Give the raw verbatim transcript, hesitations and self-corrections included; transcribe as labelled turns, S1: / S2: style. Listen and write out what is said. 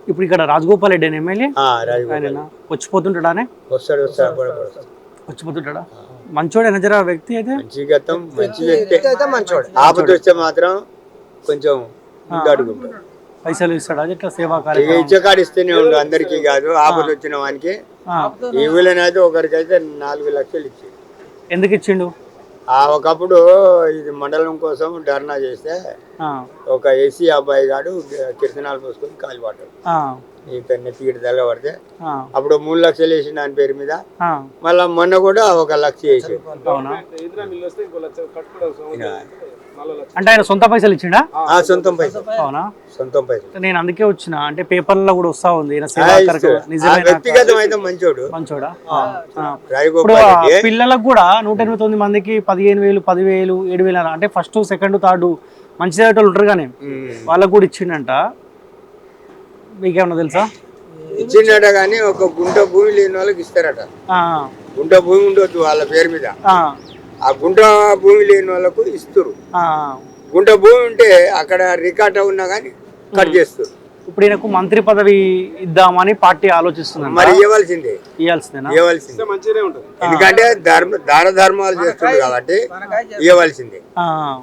S1: ఇప్పుడు ఇక్కడ రాజగోపాల్ రెడ్డి అని ఎమ్మెల్యే
S2: ఆ, రాజగోపాల్
S1: ఆయన వచ్చిపోతుంటాడానే
S2: వస్తాడు వస్తాడు అప్పుడప్పుడు.
S1: వచ్చిపోతుంటాడా మంచోడేనా జర వ్యక్తి అయితే
S2: మంచి గతం మంచి వ్యక్తి అయితే మంచోడు. ఆపద వస్తే మాత్రం కొంచెం ముందడుగుంటాడు.
S1: పైసలు ఇస్తాడా ఇట్లా సేవా
S2: ఇక
S1: కార్యక్రమం
S2: ఇచ్చే కాడు ఇస్తేనే ఉండు, అందరికీ కాదు. ఆపద వచ్చిన వానికి
S1: ఆ,
S2: ఈ ఊళ్ళోనైతే ఒకరికైతే నాలుగు లక్షలు ఇచ్చి
S1: ఎందుకు ఇచ్చిండు
S2: ఆ ఒకప్పుడు ఇది మండలం కోసం ధర్నా చేస్తే
S1: ఆ,
S2: ఒక ఏసీ అబ్బాయి గాడు కిరసనాలు పోసుకొని కాలిపడ్డాడు.
S1: ఆ,
S2: ఈ పెన్ను తీగడ తెల్లబడితే
S1: ఆ,
S2: అప్పుడు మూడు లక్షలు వేసి దాని పేరు మీద,
S1: ఆ,
S2: మళ్ళా మొన్న కూడా ఒక లక్ష వేసి.
S1: అవునా అంటే ఆయన సొంత పైసలు ఇచ్చిండా
S2: ఆ సొంతం పైసలు,
S1: అవునా
S2: సొంతం పైసలు.
S1: నేను అందుకే వచ్చిన అంటే పేపర్లలో కూడా వస్తా ఉంది ఈయన సేవా
S2: ఆ,
S1: కార్యక్రమం
S2: ఆ
S1: నిజమేనా
S2: వ్యక్తిగతం అయితే మంచోడు
S1: మంచోడా ఆ, ఆ. ఇప్పుడు
S2: రాజగోపాల్
S1: ఆ
S2: రెడ్డి.
S1: పిల్లలకు కూడా నూట ఎనభై తొమ్మిది మందికి పదిహేను వేలు పదివేలు ఏడు వేలు అంటే ఫస్ట్ సెకండ్ థర్డ్ మంచి చదివేటోళ్ళు ఉంటారు కానీ
S2: ఉమ్.
S1: వాళ్ళకు కూడా ఇచ్చిండంట. మీకేమన్నా తెలుసా?
S2: ఇచ్చిండట కానీ ఒక గుంట భూమి లేని వాళ్ళకి ఇస్తారట.
S1: ఆ,
S2: గుంట భూమి ఉండొద్దు వాళ్ళ పేరు మీద,
S1: ఆ,
S2: ఆ గుంట భూమి లేని వాళ్ళకు ఇస్తారు.
S1: ఆ.
S2: గుంట భూమి ఉంటే అక్కడ రికార్డ్ ఉన్నా కానీ కట్ చేస్తారు.
S1: ఇప్పుడు ఈయనకు మంత్రి పదవి ఇద్దామని పార్టీ ఆలోచిస్తుంది.
S2: మరి ఇవ్వాల్సిందే,
S1: ఇవ్వాల్సిందేనా?
S2: ఇవ్వాల్సిందే. ఎందుకంటే ధర్మ దాన ధర్మాలు చేస్తుంది కాబట్టి ఇవ్వాల్సిందే.
S1: ఆ,